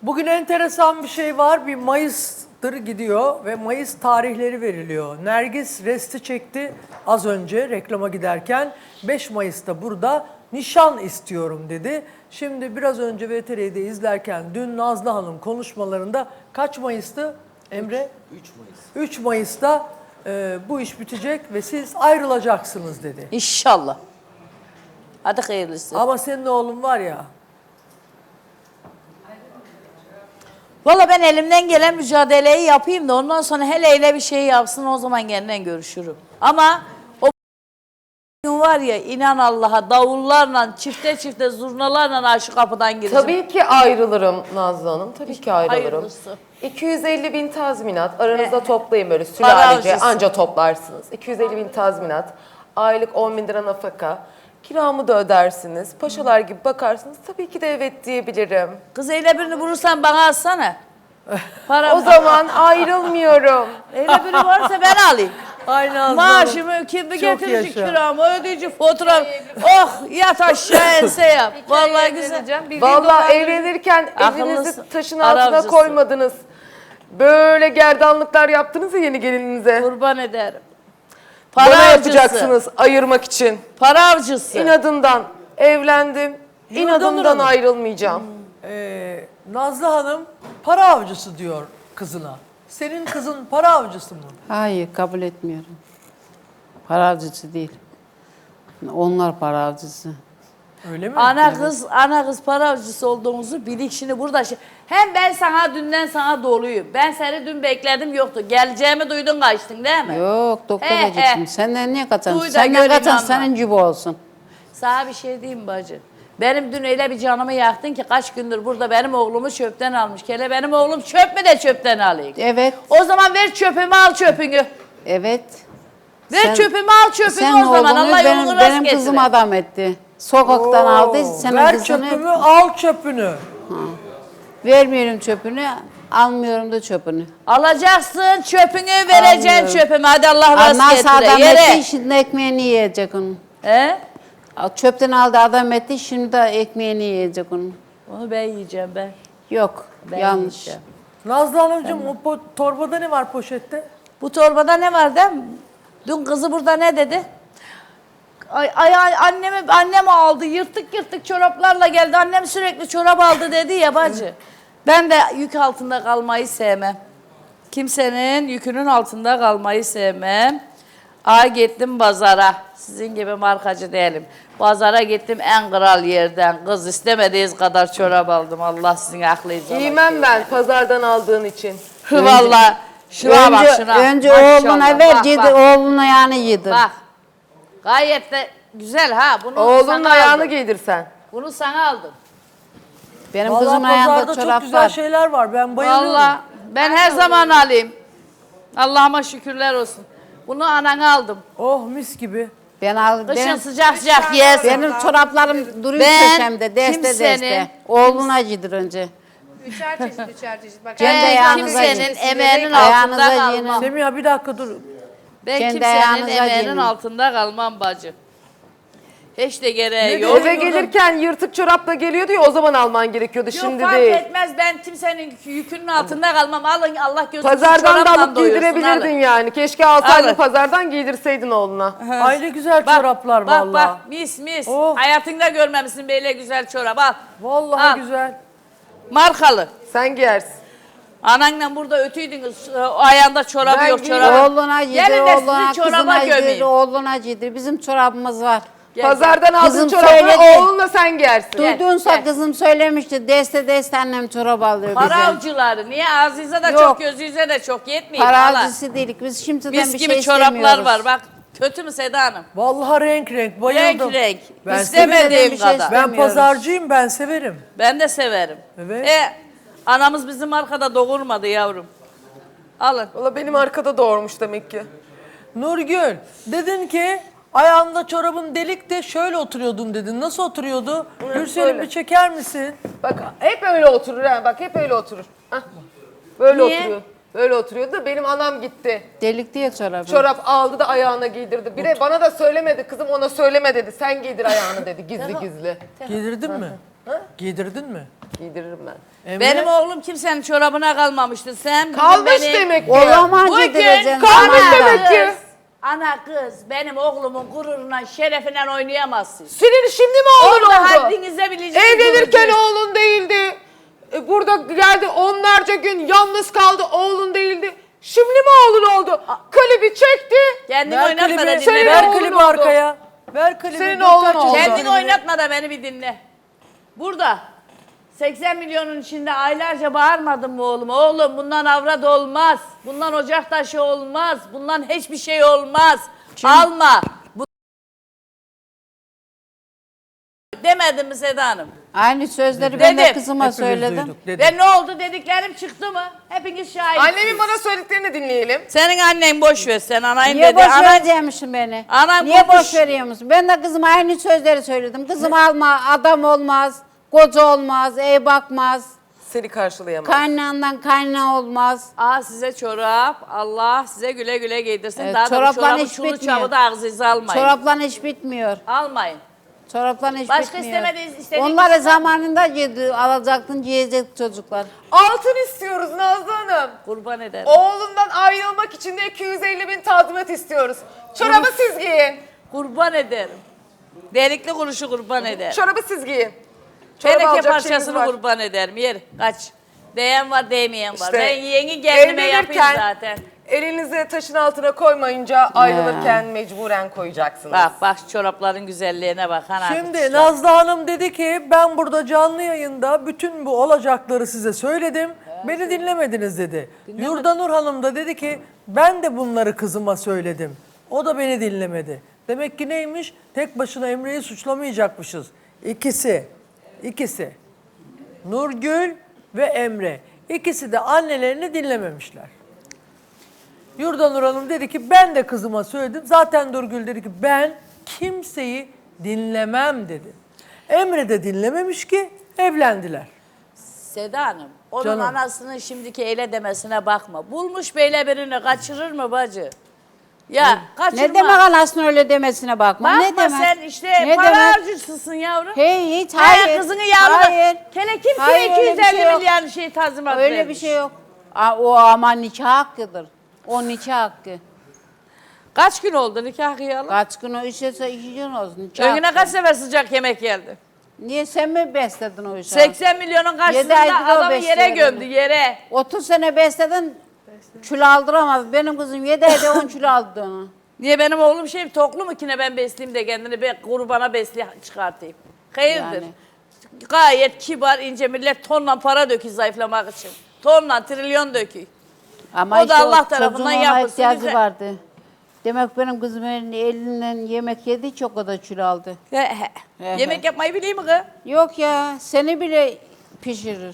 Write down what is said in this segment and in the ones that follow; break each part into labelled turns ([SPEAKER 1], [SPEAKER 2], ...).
[SPEAKER 1] Bugün enteresan bir şey var. Bir Mayıs'tır gidiyor ve Mayıs tarihleri veriliyor. Nergis resti çekti az önce reklama giderken. 5 Mayıs'ta burada nişan istiyorum dedi. Şimdi biraz önce VTR'de izlerken dün Nazlı Hanım konuşmalarında kaç Mayıs'tı Emre?
[SPEAKER 2] 3 Mayıs.
[SPEAKER 1] 3 Mayıs'ta bu iş bitecek ve siz ayrılacaksınız dedi.
[SPEAKER 3] İnşallah. Hadi hayırlısı.
[SPEAKER 1] Ama senin oğlun var ya.
[SPEAKER 3] Valla ben elimden gelen mücadeleyi yapayım da ondan sonra hele hele bir şey yapsın, o zaman kendine görüşürüm. Ama o gün var ya, inan Allah'a, davullarla, çifte çifte zurnalarla şu kapıdan gireceğim.
[SPEAKER 4] Tabii ki ayrılırım Nazlı Hanım. Tabii ki ayrılırım.
[SPEAKER 3] Hayırlısı.
[SPEAKER 4] 250 bin tazminat. Aranızda toplayın böyle sülalece.
[SPEAKER 3] harcısın.
[SPEAKER 4] Anca toplarsınız. 250 bin tazminat. Aylık 10 bin lira nafaka. Kiramı da ödersiniz. Paşalar gibi bakarsınız. Tabii ki de evet diyebilirim.
[SPEAKER 3] Kız eyle birini vurursan bana alsana. Para
[SPEAKER 4] O zaman ayrılmıyorum.
[SPEAKER 3] eyle biri varsa ben alayım.
[SPEAKER 1] Aynı anda.
[SPEAKER 3] Maaşımı, kirli
[SPEAKER 1] Çok
[SPEAKER 3] getirici
[SPEAKER 1] yaşa.
[SPEAKER 3] kiramı, ödeyeci fatura. Oh, yat aşağı ense yap. Vallahi güzel.
[SPEAKER 4] Vallahi evlenirken elinizi
[SPEAKER 3] Akıllısın.
[SPEAKER 4] taşın
[SPEAKER 3] Ara
[SPEAKER 4] altına
[SPEAKER 3] avcısı.
[SPEAKER 4] koymadınız. Böyle gerdanlıklar yaptınız ya yeni gelininize.
[SPEAKER 3] Kurban ederim.
[SPEAKER 4] Bana
[SPEAKER 3] Para
[SPEAKER 4] yapacaksınız ayırmak için.
[SPEAKER 3] Para avcısı.
[SPEAKER 4] İnadından evlendim. İnadımdan
[SPEAKER 1] Hanım.
[SPEAKER 4] ayrılmayacağım.
[SPEAKER 1] Nazlı Hanım para avcısı diyor kızına. Senin kızın para avcısı mı?
[SPEAKER 5] Hayır, kabul etmiyorum. Para avcısı değil. Onlar para avcısı.
[SPEAKER 1] Öyle mi?
[SPEAKER 3] Ana kız para avcısı olduğumuzu bilik şimdi burada. Hem ben sana dünden sana doluyum. Ben seni dün bekledim yoktu. Geleceğimi duydun kaçtın değil mi?
[SPEAKER 5] Yok, doktora
[SPEAKER 3] He,
[SPEAKER 5] gittim.
[SPEAKER 3] he.
[SPEAKER 5] Senden niye kaçansın?
[SPEAKER 3] Duy da
[SPEAKER 5] Senden
[SPEAKER 3] gör,
[SPEAKER 5] kaçan
[SPEAKER 3] inanma.
[SPEAKER 5] senin gibi olsun.
[SPEAKER 3] Sana bir şey diyeyim bacı. Benim dün öyle bir canımı yaktın ki kaç gündür burada benim oğlumu çöpten almış. Kele benim oğlum çöp mü de çöpten alayım.
[SPEAKER 5] Evet,
[SPEAKER 3] O zaman ver çöpümü, al çöpünü.
[SPEAKER 5] evet.
[SPEAKER 3] Ver çöpümü, al çöpünü
[SPEAKER 5] Sen
[SPEAKER 3] o zaman.
[SPEAKER 5] oğlunu
[SPEAKER 3] Allah yolunu rast
[SPEAKER 5] benim kızım
[SPEAKER 3] getirir.
[SPEAKER 5] adam etti. Sokaktan aldı, senin
[SPEAKER 1] Ver
[SPEAKER 5] kızını.
[SPEAKER 1] çöpümü, al çöpünü.
[SPEAKER 5] Vermiyorum çöpünü, almıyorum da çöpünü.
[SPEAKER 3] Alacaksın çöpünü, vereceksin
[SPEAKER 5] Almıyorum.
[SPEAKER 3] çöpümü. Hadi Allah rast
[SPEAKER 5] Nasıl adam
[SPEAKER 3] getire. Yere.
[SPEAKER 5] etti, şimdi ekmeğini yiyecek onun.
[SPEAKER 3] He?
[SPEAKER 5] Çöpten aldı adam etti, şimdi de ekmeğini yiyecek onun.
[SPEAKER 3] Onu ben yiyeceğim ben.
[SPEAKER 5] Yok,
[SPEAKER 3] Ben
[SPEAKER 5] yanlış.
[SPEAKER 3] yiyeceğim.
[SPEAKER 1] Nazlı Hanımcığım o torbada ne var poşette?
[SPEAKER 3] Bu torbada ne var değil mi? Dün kızı burada ne dedi? Annem aldı, yırtık yırtık çoraplarla geldi. Annem sürekli çorap aldı dedi ya bacı. Ben de yük altında kalmayı sevmem. Kimsenin yükünün altında kalmayı sevmem. Gittim pazara. Sizin gibi markacı değilim. Pazara gittim en kral yerden. Kız istemediğiniz kadar çorap aldım. Allah sizin aklınıza
[SPEAKER 4] Giymem ben pazardan aldığın için.
[SPEAKER 3] Vallahi şuna bak şuna.
[SPEAKER 5] Önce
[SPEAKER 3] Maşallah.
[SPEAKER 5] oğluna ver,
[SPEAKER 3] Bak,
[SPEAKER 5] yedi,
[SPEAKER 3] bak.
[SPEAKER 5] oğluna yani yedir.
[SPEAKER 3] Bak. Gayet de güzel ha. Bunu
[SPEAKER 4] Oğlunun
[SPEAKER 3] sana
[SPEAKER 4] ayağını
[SPEAKER 3] aldım.
[SPEAKER 4] giydirsen.
[SPEAKER 3] Bunu sana aldım.
[SPEAKER 5] Benim
[SPEAKER 1] Vallahi
[SPEAKER 5] kızımın
[SPEAKER 1] pazarda
[SPEAKER 5] ayağında
[SPEAKER 1] çok
[SPEAKER 5] çorap
[SPEAKER 1] güzel
[SPEAKER 5] var.
[SPEAKER 1] şeyler var. Ben bayılıyorum.
[SPEAKER 3] Vallahi ben her zaman alayım. Allah'ıma şükürler olsun. Bunu anana aldım.
[SPEAKER 1] Oh mis gibi.
[SPEAKER 5] Kışın
[SPEAKER 3] Kışın sıcak sıcak yersin.
[SPEAKER 5] benim çoraplarım duruyor
[SPEAKER 3] Ben
[SPEAKER 5] köşemde, deste
[SPEAKER 3] kimsenin-
[SPEAKER 5] deste. Oğluna yedir önce.
[SPEAKER 6] Üçer çeşit. Bak,
[SPEAKER 5] Kendi
[SPEAKER 3] Ben
[SPEAKER 5] ayağınıza
[SPEAKER 3] kimsenin
[SPEAKER 5] giyin.
[SPEAKER 3] emeğinin
[SPEAKER 5] Ayağınıza
[SPEAKER 3] altında
[SPEAKER 5] giyin.
[SPEAKER 3] kalmam.
[SPEAKER 1] Semiha bir dakika dur.
[SPEAKER 3] Ben
[SPEAKER 5] Kendi
[SPEAKER 3] kimsenin
[SPEAKER 5] ayağınıza
[SPEAKER 3] emeğinin
[SPEAKER 5] giyin.
[SPEAKER 3] altında kalmam bacı. Hiç de gereği
[SPEAKER 1] Ne
[SPEAKER 3] yok.
[SPEAKER 4] Eve gelirken yırtık çorapla geliyordu ya o zaman alman gerekiyordu.
[SPEAKER 3] Yok
[SPEAKER 4] Şimdi
[SPEAKER 3] fark
[SPEAKER 4] değil.
[SPEAKER 3] etmez, ben kimsenin yükünün altında kalmam. Alın, Allah gözünüzü
[SPEAKER 4] Pazardan da
[SPEAKER 3] çorapla
[SPEAKER 4] alıp
[SPEAKER 3] doyursun,
[SPEAKER 4] giydirebilirdin
[SPEAKER 3] alın.
[SPEAKER 4] yani. Keşke alsaydın
[SPEAKER 3] Alın.
[SPEAKER 4] pazardan giydirseydin oğluna.
[SPEAKER 1] Ay ne güzel
[SPEAKER 3] Bak,
[SPEAKER 1] çoraplar
[SPEAKER 3] bak,
[SPEAKER 1] vallahi.
[SPEAKER 3] Bak mis mis.
[SPEAKER 1] Oh.
[SPEAKER 3] Hayatında görmemişsin böyle güzel çorap, al.
[SPEAKER 1] Vallahi
[SPEAKER 3] Al.
[SPEAKER 1] güzel.
[SPEAKER 3] Markalı.
[SPEAKER 4] Sen giyersin.
[SPEAKER 3] Ananla burada ötüydünüz, ayağında çorabı
[SPEAKER 4] Ben
[SPEAKER 3] yok
[SPEAKER 4] giyiyorum.
[SPEAKER 3] çorabı.
[SPEAKER 5] Oğluna yedir,
[SPEAKER 3] Gelin de
[SPEAKER 5] oğluna,
[SPEAKER 3] sizi çoraba
[SPEAKER 5] kızına yedir,
[SPEAKER 3] gömeyim.
[SPEAKER 5] oğluna yedir. Bizim çorabımız var.
[SPEAKER 3] Gel,
[SPEAKER 4] Pazardan aldığın
[SPEAKER 5] Kızım
[SPEAKER 4] çorapları
[SPEAKER 5] söyledi.
[SPEAKER 4] oğlunla sen giyersin.
[SPEAKER 5] Duydunsa
[SPEAKER 3] gel.
[SPEAKER 5] kızım söylemişti. Deste deste annem çorap alıyor
[SPEAKER 3] Para
[SPEAKER 5] bize.
[SPEAKER 3] avcıları. Niye? Azize de
[SPEAKER 5] Yok.
[SPEAKER 3] çok, gözüze de çok yetmiyor.
[SPEAKER 5] Para
[SPEAKER 3] Hala.
[SPEAKER 5] avcısı değilik. Biz şimdiden
[SPEAKER 3] Mis
[SPEAKER 5] bir
[SPEAKER 3] gibi
[SPEAKER 5] şey
[SPEAKER 3] çoraplar
[SPEAKER 5] istemiyoruz.
[SPEAKER 3] var bak. Kötü mü Seda Hanım?
[SPEAKER 1] Vallahi renk renk bayıldım.
[SPEAKER 3] Renk renk.
[SPEAKER 1] Ben
[SPEAKER 3] İstemediğim
[SPEAKER 5] bir şey
[SPEAKER 3] kadar.
[SPEAKER 1] Ben pazarcıyım, ben severim.
[SPEAKER 3] Ben de severim.
[SPEAKER 1] Evet.
[SPEAKER 3] Anamız bizim arkada doğurmadı yavrum. Alın.
[SPEAKER 4] Valla benim arkada doğurmuş demek ki.
[SPEAKER 1] Nurgül, dedin ki ayağında çorabın delik de şöyle oturuyordum dedin. Nasıl oturuyordu? Gülselim
[SPEAKER 4] böyle.
[SPEAKER 1] bir çeker misin?
[SPEAKER 4] Bak hep öyle oturur ha. Bak hep öyle oturur. Hah. Böyle
[SPEAKER 3] Niye?
[SPEAKER 4] oturuyor. Böyle oturuyordu da benim anam gitti.
[SPEAKER 5] Delik değil çorabı.
[SPEAKER 4] Çorap aldı da ayağına giydirdi. Bir de bana da söylemedi. Kızım ona söyleme dedi. Sen giydir ayağını dedi gizli gizli.
[SPEAKER 1] Giydirdin mi? Giydirdin mi?
[SPEAKER 4] Giydiririm ben.
[SPEAKER 1] Emre?
[SPEAKER 3] Benim oğlum kimsenin çorabına kalmamıştı. Sen bugün
[SPEAKER 4] Kalmış
[SPEAKER 3] beni...
[SPEAKER 4] demek ki.
[SPEAKER 5] Olamancı
[SPEAKER 3] Bugün
[SPEAKER 5] diyeceksin.
[SPEAKER 4] kalmış
[SPEAKER 5] sana da.
[SPEAKER 4] demek ki.
[SPEAKER 3] Ana kız benim oğlumun gururuna, şerefinden oynayamazsın.
[SPEAKER 4] Senin şimdi mi oğlun
[SPEAKER 3] Orada
[SPEAKER 4] oldu?
[SPEAKER 3] haddinize bileceğiniz
[SPEAKER 4] Evlenirken
[SPEAKER 3] duracağız.
[SPEAKER 4] oğlun değildi. Burada geldi onlarca gün yalnız kaldı, oğlun değildi. Şimdi mi oğlun oldu? Klibi çekti.
[SPEAKER 3] Kendini
[SPEAKER 1] Ver
[SPEAKER 3] oynatma da
[SPEAKER 1] klibi,
[SPEAKER 3] dinle.
[SPEAKER 1] ver
[SPEAKER 4] oğlun
[SPEAKER 1] klibi
[SPEAKER 4] oldu.
[SPEAKER 1] arkaya. Ver klibi.
[SPEAKER 4] Senin
[SPEAKER 1] dur
[SPEAKER 4] oğlun
[SPEAKER 1] kaç
[SPEAKER 4] oldu.
[SPEAKER 1] oldu?
[SPEAKER 3] Kendini oynatma da beni bir dinle. Burada 80 milyonun içinde aylarca bağırmadın mı oğlum? Oğlum bundan avrat olmaz. Bundan ocak taşı olmaz. Bundan hiçbir şey olmaz. Alma. Demedim mi Seda Hanım?
[SPEAKER 5] Aynı sözleri ben de
[SPEAKER 3] Dedim.
[SPEAKER 5] kızıma
[SPEAKER 1] Hepimiz
[SPEAKER 5] söyledim.
[SPEAKER 1] duyduk, dedim.
[SPEAKER 3] Ve ne oldu dediklerim çıktı mı? Hepiniz şahitsiniz.
[SPEAKER 4] Annemin bana söylediklerini dinleyelim.
[SPEAKER 3] Senin annen boş ver sen anayın
[SPEAKER 5] Niye
[SPEAKER 3] dedi.
[SPEAKER 5] boş
[SPEAKER 3] Anan
[SPEAKER 5] vereceğimmişsin beni?
[SPEAKER 3] Anam
[SPEAKER 5] Niye
[SPEAKER 3] konuş.
[SPEAKER 5] boş veriyor musun? Ben de kızıma aynı sözleri söyledim. Kızım alma, adam olmaz, koca olmaz, ev bakmaz,
[SPEAKER 4] Seni karşılayamaz.
[SPEAKER 5] kaynağından kaynağı olmaz.
[SPEAKER 3] size çorap. Allah size güle güle giydirsin.
[SPEAKER 5] Evet,
[SPEAKER 3] Daha da bu
[SPEAKER 5] çoraplar
[SPEAKER 3] çorabın
[SPEAKER 5] hiç
[SPEAKER 3] çulu
[SPEAKER 5] bitmiyor.
[SPEAKER 3] çabı da ağzınıza almayın.
[SPEAKER 5] Çoraplan hiç bitmiyor.
[SPEAKER 3] Almayın.
[SPEAKER 5] Çoraplan hiç
[SPEAKER 3] Başka
[SPEAKER 5] bitmiyor.
[SPEAKER 3] istediğiniz
[SPEAKER 5] Onları
[SPEAKER 3] kişi-
[SPEAKER 5] zamanında alacaktın, giyecek çocuklar.
[SPEAKER 4] Altın istiyoruz Nazlı Hanım.
[SPEAKER 3] Kurban ederim.
[SPEAKER 4] Oğlundan ayrılmak için de 250.000 tazminat istiyoruz. Çorabı siz giyin.
[SPEAKER 3] Kurban ederim. Delikli kuruşu kurban ederim.
[SPEAKER 4] Çorabı siz giyin. Çorabı
[SPEAKER 3] Teneke
[SPEAKER 4] alacak şeyimiz
[SPEAKER 3] parçasını
[SPEAKER 4] var.
[SPEAKER 3] kurban ederim. Yer kaç. Değen var değmeyen var.
[SPEAKER 4] İşte
[SPEAKER 3] Ben yeğeni kendime yapayım
[SPEAKER 4] evlenirken
[SPEAKER 3] zaten.
[SPEAKER 4] elinizi taşın altına koymayınca ayrılırken mecburen koyacaksınız.
[SPEAKER 3] Bak şu çorapların güzelliğine bak.
[SPEAKER 1] Şimdi Nazlı Hanım dedi ki ben burada canlı yayında bütün bu olacakları size söyledim. Beni dinlemediniz dedi. Yurdanur Hanım da dedi ki ben de bunları kızıma söyledim. O da beni dinlemedi. Demek ki neymiş? Tek başına Emre'yi suçlamayacakmışız. İkisi. Nurgül ve Emre. İkisi de annelerini dinlememişler. Yurdanur Hanım dedi ki ben de kızıma söyledim. Zaten Nurgül dedi ki ben kimseyi dinlemem dedi. Emre de dinlememiş ki evlendiler.
[SPEAKER 3] Seda Hanım, onun
[SPEAKER 1] Canım.
[SPEAKER 3] anasının şimdiki eyle demesine bakma. Bulmuş böyle birini kaçırır mı bacı? Ya kaçırma.
[SPEAKER 5] Ne demek anasının öyle demesine bakma.
[SPEAKER 3] Bakma
[SPEAKER 5] Ne demek?
[SPEAKER 3] sen işte
[SPEAKER 5] Ne
[SPEAKER 3] para
[SPEAKER 5] demek?
[SPEAKER 3] harcısısın yavrum.
[SPEAKER 5] Hiç
[SPEAKER 3] Hayır.
[SPEAKER 5] hayır.
[SPEAKER 3] Kızını yavrum.
[SPEAKER 5] Hayır.
[SPEAKER 3] Kele kimseye
[SPEAKER 5] Hayır, öyle bir
[SPEAKER 3] 250
[SPEAKER 5] şey yok.
[SPEAKER 3] milyar şey tazminat
[SPEAKER 5] Öyle
[SPEAKER 3] vermiş.
[SPEAKER 5] bir şey yok. O ama nikah hakkıdır. O nikah hakkı.
[SPEAKER 3] Kaç gün oldu nikah kıyalı?
[SPEAKER 5] Kaç gün o işe 2 gün olsun. Nikah
[SPEAKER 3] Önüne
[SPEAKER 5] hakkı.
[SPEAKER 3] kaç sefer sıcak yemek geldi?
[SPEAKER 5] Niye sen mi besledin o işi?
[SPEAKER 3] 80 milyonun karşısında
[SPEAKER 5] aydır o
[SPEAKER 3] adamı yere
[SPEAKER 5] besliyor
[SPEAKER 3] gömdü
[SPEAKER 5] beni.
[SPEAKER 3] yere.
[SPEAKER 5] 30 sene besledin, kilo aldıramaz. Benim kızım 7 ayda 10 kilo aldı onu.
[SPEAKER 3] Niye benim oğlum toklu mu ki ne ben besleyeyim de kendini bir kurbana çıkartayım? Hayırdır?
[SPEAKER 5] Yani.
[SPEAKER 3] Gayet kibar ince millet tonla para döküyor zayıflamak için. Tonla trilyon döküyor.
[SPEAKER 5] Ama
[SPEAKER 3] O da
[SPEAKER 5] işte
[SPEAKER 3] Allah
[SPEAKER 5] o
[SPEAKER 3] tarafından
[SPEAKER 5] çocuğun ona
[SPEAKER 3] yapılsın
[SPEAKER 5] ihtiyacı
[SPEAKER 3] bize.
[SPEAKER 5] vardı. Demek benim kızım elinden yemek yedi çok o da kilo aldı.
[SPEAKER 3] He. Yemek yapmayı bileyim mi kız?
[SPEAKER 5] Yok ya seni bile pişirir.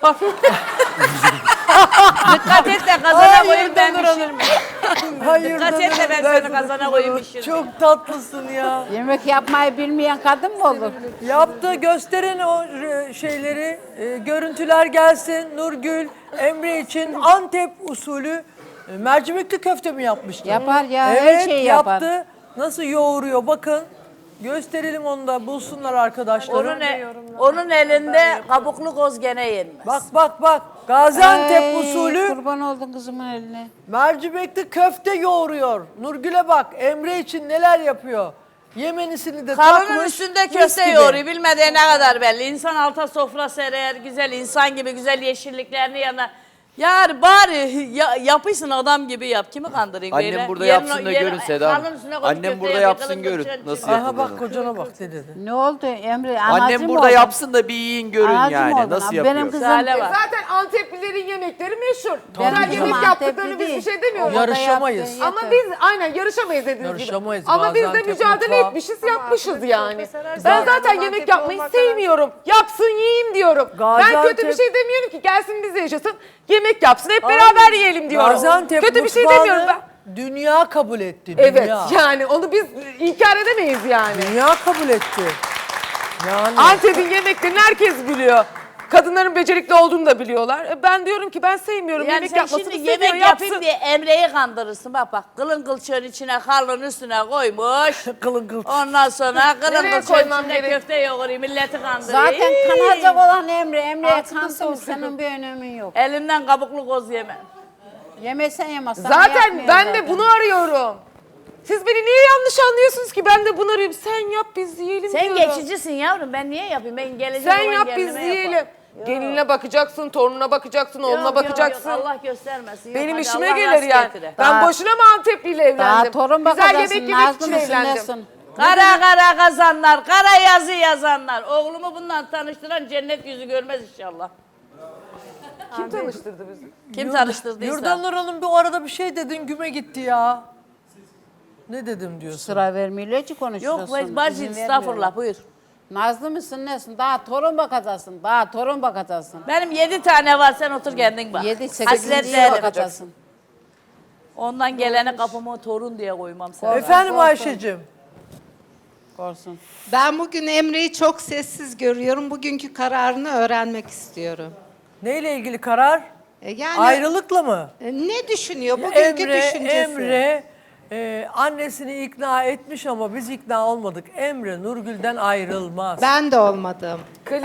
[SPEAKER 3] Dikkat et de kazana koyayım ben pişirmeyeyim.
[SPEAKER 1] Hayır.
[SPEAKER 3] Dikkat et de ben seni kazana koyayım pişirmeyeyim.
[SPEAKER 1] Çok tatlısın ya.
[SPEAKER 5] Yemek yapmayı bilmeyen kadın mı olur?
[SPEAKER 1] Yaptı, gösterin o şeyleri, görüntüler gelsin. Nurgül, Emre için Antep usulü mercimekli köfte mi yapmıştı?
[SPEAKER 5] Yapar ya, her
[SPEAKER 1] Evet,
[SPEAKER 5] şeyi yapar.
[SPEAKER 1] yaptı. Nasıl yoğuruyor bakın. Gösterelim onu da bulsunlar arkadaşlarım.
[SPEAKER 3] Onun elinde kabuklu koz gene yenmez.
[SPEAKER 1] Bak. Gaziantep
[SPEAKER 5] Ay,
[SPEAKER 1] usulü
[SPEAKER 5] Kurban oldun kızımın eline.
[SPEAKER 1] mercimekli köfte yoğuruyor. Nurgül'e bak, Emre için neler yapıyor. Yemenisini de
[SPEAKER 3] Karının
[SPEAKER 1] takmış.
[SPEAKER 3] üstünde
[SPEAKER 1] mis
[SPEAKER 3] köfte
[SPEAKER 1] gibi.
[SPEAKER 3] yoğuruyor. Bilmediği ne kadar belli. İnsan alta sofra serer, güzel insan gibi güzel yeşilliklerini yanına. Yani bari yapışsın adam gibi yap. Kimi kandırayım
[SPEAKER 2] Annem
[SPEAKER 3] böyle?
[SPEAKER 2] burada
[SPEAKER 3] Yerin-
[SPEAKER 2] yapsın da
[SPEAKER 3] yerin-
[SPEAKER 2] görün Seda Hanım.
[SPEAKER 3] karnının üstüne koyup
[SPEAKER 2] Annem
[SPEAKER 3] köfte
[SPEAKER 2] burada
[SPEAKER 3] yapıyor,
[SPEAKER 2] yapsın
[SPEAKER 3] kılın
[SPEAKER 2] görün.
[SPEAKER 3] kılın
[SPEAKER 2] Nasıl
[SPEAKER 3] kılın.
[SPEAKER 1] Aha bak
[SPEAKER 2] yapıldığını.
[SPEAKER 1] kocana bak ne dedi.
[SPEAKER 5] Ne oldu Emre? Anacı
[SPEAKER 2] Annem
[SPEAKER 5] mı
[SPEAKER 2] burada
[SPEAKER 5] oldun?
[SPEAKER 2] yapsın da bir yiyin görün
[SPEAKER 5] Anacı mı
[SPEAKER 2] yani.
[SPEAKER 5] oldun?
[SPEAKER 2] Nasıl
[SPEAKER 5] Benim
[SPEAKER 2] yapıyor?
[SPEAKER 5] kızım-
[SPEAKER 3] Hale bak.
[SPEAKER 4] Zaten Anteplilerin yemekleri meşhur.
[SPEAKER 5] Benim
[SPEAKER 4] Güzel
[SPEAKER 5] kızım
[SPEAKER 4] yemek yaptıklarını
[SPEAKER 5] Antepli
[SPEAKER 4] biz bir
[SPEAKER 5] değil.
[SPEAKER 4] şey demiyoruz.
[SPEAKER 5] O da
[SPEAKER 1] Yarışamayız.
[SPEAKER 5] yaptı,
[SPEAKER 4] Ama
[SPEAKER 5] yeter.
[SPEAKER 4] biz aynen yarışamayız dediğiniz gibi.
[SPEAKER 1] Yarışamayız.
[SPEAKER 4] Ama biz de
[SPEAKER 1] Gaziantep
[SPEAKER 4] mücadele
[SPEAKER 1] mutfağı.
[SPEAKER 4] etmişiz, yapmışız yani. Ben
[SPEAKER 1] Zaten
[SPEAKER 4] zaten yemek yapmayı sevmiyorum. Yapsın yiyeyim diyorum. Ben
[SPEAKER 1] Gaziantep-
[SPEAKER 4] kötü bir şey demiyorum ki gelsin bizle yaşasın. Yemek yapsın hep beraber yiyelim diyorum.
[SPEAKER 1] Gaziantep
[SPEAKER 4] Kötü bir şey
[SPEAKER 1] mutfağını
[SPEAKER 4] demiyorum ben.
[SPEAKER 1] Dünya kabul etti.
[SPEAKER 4] Evet
[SPEAKER 1] Dünya.
[SPEAKER 4] yani onu biz inkar edemeyiz yani.
[SPEAKER 1] Dünya kabul etti. Yani
[SPEAKER 4] Antep'in yemeklerini herkes biliyor. Kadınların becerikli olduğunu da biliyorlar. Ben diyorum ki ben sevmiyorum.
[SPEAKER 3] Yani
[SPEAKER 4] Yemek
[SPEAKER 3] sen
[SPEAKER 4] yapmasını
[SPEAKER 3] şimdi
[SPEAKER 4] seviyor,
[SPEAKER 3] yemek
[SPEAKER 4] yapsın.
[SPEAKER 3] yapayım diye Emre'yi kandırırsın. Bak bak kılın kılçığın içine harlın üstüne koymuş.
[SPEAKER 1] Kılın kılçık.
[SPEAKER 3] Ondan sonra kılın
[SPEAKER 4] Nereye
[SPEAKER 3] kılçığın
[SPEAKER 4] koymam
[SPEAKER 3] içinde
[SPEAKER 4] gerek?
[SPEAKER 3] köfte yoğurayım milleti kandırayım.
[SPEAKER 5] Zaten kanacak olan Emre'ye
[SPEAKER 4] Altında
[SPEAKER 5] kansın
[SPEAKER 4] sos.
[SPEAKER 5] senin bir önemi yok.
[SPEAKER 3] Elinden kabuklu koz yeme.
[SPEAKER 5] Yemesen yemezsen
[SPEAKER 4] Zaten
[SPEAKER 5] yapmıyor
[SPEAKER 4] ben
[SPEAKER 5] zaten.
[SPEAKER 4] de bunu arıyorum. Siz beni niye yanlış anlıyorsunuz ki? Ben de bunu arıyorum. Sen yap biz yiyelim
[SPEAKER 3] Sen
[SPEAKER 4] diyorum.
[SPEAKER 3] geçicisin yavrum ben niye yapayım? Ben geleceğim
[SPEAKER 4] Sen
[SPEAKER 3] olan
[SPEAKER 4] yap biz
[SPEAKER 3] gelinime
[SPEAKER 4] yiyelim.
[SPEAKER 3] yaparım.
[SPEAKER 4] Gelinine bakacaksın, torununa bakacaksın, oğluna
[SPEAKER 3] Yok,
[SPEAKER 4] bakacaksın.
[SPEAKER 3] Yok, Allah göstermesin. Yok,
[SPEAKER 4] Benim
[SPEAKER 3] hadi
[SPEAKER 4] işime
[SPEAKER 3] Allah
[SPEAKER 4] gelir
[SPEAKER 3] rast
[SPEAKER 4] yani.
[SPEAKER 3] getire.
[SPEAKER 4] Ben boşuna mı Antepli'yle evlendim?
[SPEAKER 5] Daha torun
[SPEAKER 4] Güzel
[SPEAKER 5] bakacaksın.
[SPEAKER 4] yemek yemek
[SPEAKER 5] Nazlı
[SPEAKER 4] için
[SPEAKER 5] mısın
[SPEAKER 4] evlendim.
[SPEAKER 5] nesin?
[SPEAKER 3] Kara kara kazanlar, kara yazı yazanlar. Oğlumu bundan tanıştıran cennet yüzü görmez inşallah.
[SPEAKER 4] Kim tanıştırdı bizi?
[SPEAKER 3] Kim tanıştırdıysa.
[SPEAKER 1] Yurdanur Hanım bir arada bir şey dedin güme gitti ya. Ne dedim diyorsun?
[SPEAKER 5] Sıra vermiyorlar ki konuşuyorsun.
[SPEAKER 3] Yok bacı
[SPEAKER 5] İzin
[SPEAKER 3] estağfurullah
[SPEAKER 5] vermiyorlar.
[SPEAKER 3] buyur.
[SPEAKER 5] Nazlı mısın nesin? Daha torun bakacaksın. Daha torun bakacaksın.
[SPEAKER 3] Benim 7 tane var sen otur kendin bak.
[SPEAKER 5] 7-8
[SPEAKER 3] Hasretlerim.
[SPEAKER 5] bakacaksın.
[SPEAKER 3] Ondan gelene kapıma torun diye koymam sana.
[SPEAKER 1] Efendim Ayşe'cim.
[SPEAKER 5] Korsun.
[SPEAKER 2] Ben bugün Emre'yi çok sessiz görüyorum. Bugünkü kararını öğrenmek istiyorum.
[SPEAKER 1] Neyle ilgili karar?
[SPEAKER 2] Yani
[SPEAKER 1] Ayrılıkla mı?
[SPEAKER 2] ne düşünüyor? Bugünkü düşüncesi.
[SPEAKER 1] Emre annesini ikna etmiş ama biz ikna olmadık. Emre Nurgül'den ayrılmaz.
[SPEAKER 2] Ben de olmadım.